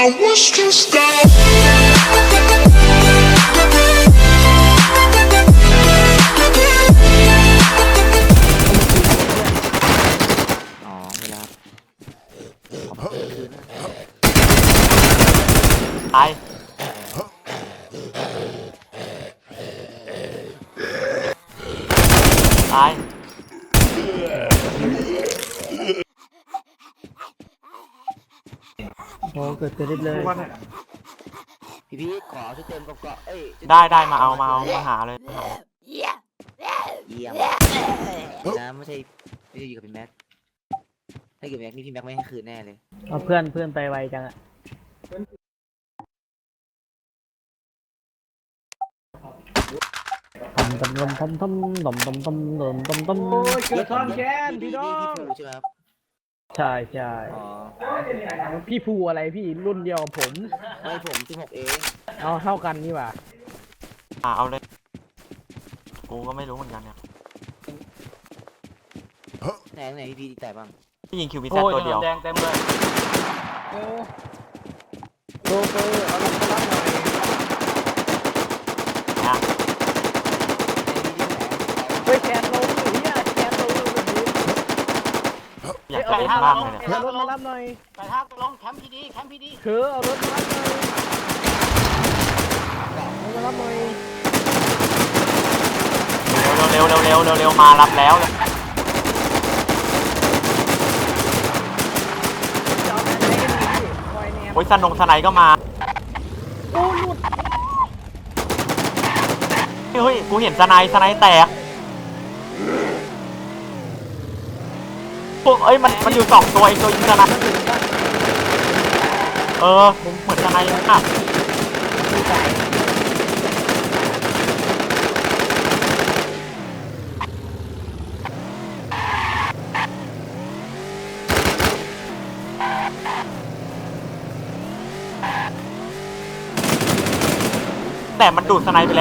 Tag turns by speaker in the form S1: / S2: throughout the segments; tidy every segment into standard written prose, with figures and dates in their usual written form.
S1: was just out.
S2: อ๋อเวลา
S3: ตายตาย
S4: โอ้เกิดเต็มเลย
S2: พี่ขอชุดเต็มกับเกาะเอ้ย
S3: ได้มาเอามาหาเลย
S2: เยี่ยมนะไม่ใช่อยู่กับพี่แม็กถ้าอยู่กับแม็กนี่พี่แม็กไม่ให้คืนแน่เลย
S4: เอาเพื่อนไปไวจังอะทำโอ้ยเกิดซ้อนแค้นพี่น้อง
S2: พี่ใช่ไหมครับ
S4: ใช่
S2: อ๋อ
S4: พี่ภูอะไรพี่รุ่นเดียวกับผม
S2: ไม่ผม16เอง
S4: เอาเท่ากันนี่หว่า
S3: เอาเลยกูก็ไม่รู้เหมือนกันเนี่ย
S2: ไหนพี่แต่บ้าง
S3: ที่ยิงคิวบีแซดตัวเดียว
S5: แดงเต็มเลย
S4: โลเกอร์เอาลงมารับหน่อย
S3: นะ
S4: เฮ้ยแคนลงหรือเนี่ยแคนลงแบบนี้
S3: อยากจะเล่นมากเลยเนี่ย
S4: เอารถมารับหน่อย
S5: ไปทางลงแคมป์พีดี
S4: เธอเอารถมารับหน่อยเอามารับหน่อย
S3: เร็วมารับแล้วเลย
S4: จะเอาไหนกันดีพี่คอยแนม
S3: โอ้ยสไนก็มา
S4: โอ้หลุด
S3: เฮ้ยกูเห็นสไนแตกพวกเอ้ยมันอยู่2ตัวไอ้ตัวยิงสไนผมเหมือนสไนอ่ะแต่มันดูดสไนไปแล้ว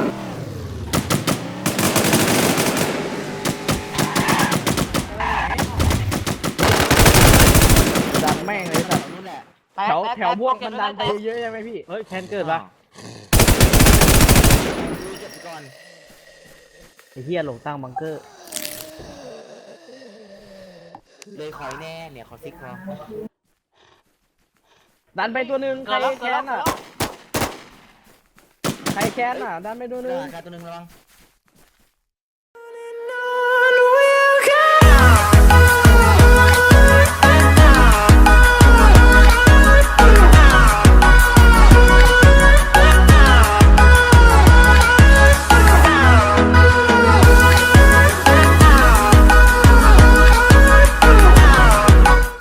S4: ดันแม่งเลยสัตว์
S2: นู่นแหละ
S4: แถวพวกมันดันไปเยอะใช่ไหมพี่เฮ้ยแคนเกิดปะ
S2: เก็บก่อน
S4: ไอ้เหี้ยหลงตั้งบังเกอร์
S2: เลยคอยแน่เนี่ยขอซิกเขา
S4: ดันไปตัวหนึ่งใคร
S5: เกิดแล้ว
S4: แคนอ่ะใครแคนอ่ะดันไปตัวหนึ่ง
S2: การตัวนึงระวัง